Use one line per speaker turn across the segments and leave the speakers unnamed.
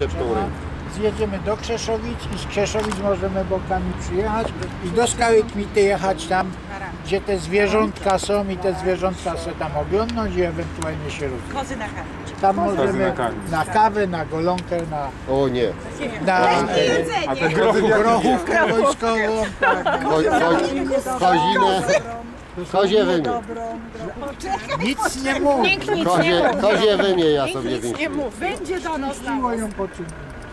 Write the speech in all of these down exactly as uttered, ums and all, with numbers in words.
Zjedziemy do Krzeszowic i z Krzeszowic możemy bokami przyjechać i do Skały Kmity jechać tam, gdzie te zwierzątka są i te zwierzątka sobie tam oglądnąć i ewentualnie się ruszyć.
Kozy na kawę.
Tam możemy na kawę, na golonkę, na...
O nie.
Na
A
te grochówkę wojskową.
Ko, ko, kozinę. Kozie wymię.
Nic nie mówi.
Nikt nic nie
Kozie,
mówi.
kozie wymię ja sobie
Nic nie
wymię.
mówi.
Będzie do nas na
Siło ją poczynić.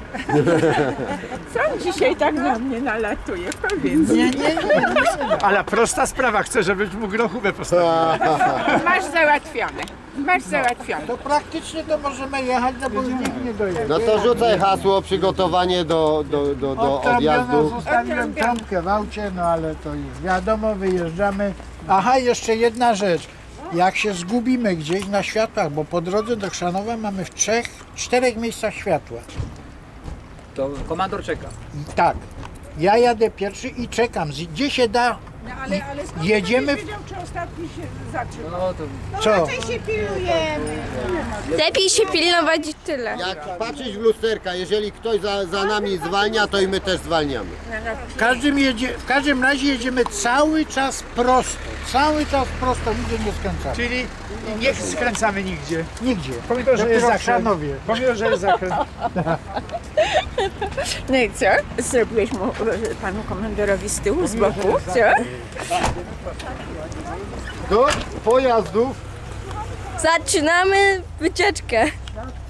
Co on dzisiaj tak na mnie nalatuje? Powiedz.
Nie, nie, nie, nie.
Ale prosta sprawa, chcę, żebyś mu grochówę postawił.
Masz załatwione. Masz załatwione.
To praktycznie to możemy jechać, no bo nikt nie dojedzie.
No to rzucaj hasło, przygotowanie do, do, do, do
Odtrąbiono,
odjazdu.
zostawiłem trąbkę w aucie, no ale to już wiadomo, wyjeżdżamy. Aha, jeszcze jedna rzecz. Jak się zgubimy gdzieś na światłach, bo po drodze do Chrzanowa mamy w trzech, czterech miejscach światła.
To komandor czeka.
Tak. Ja jadę pierwszy i czekam. Gdzie się da,
No, ale, ale skąd
jedziemy
będziesz wiedział, czy ostatni się zatrzyma?
No to
co?
Raczej się pilnujemy.
Lepiej się pilnować i tyle.
Jak patrzeć w lusterka, jeżeli ktoś za, za nami zwalnia, to i my też zwalniamy.
W każdym, jedzie, w każdym razie jedziemy cały czas prosto. Cały czas prosto, nigdzie nie skręcamy.
Czyli nie skręcamy nigdzie.
Nigdzie.
Pomimo, że jest
Dopiero w
zakręt.
Chrzanowie.
Pomimo, że jest zakręt.
No i co? Zrobiłeś mu, panu komendorowi z tyłu, z boku? Co?
Do pojazdów.
Zaczynamy wycieczkę.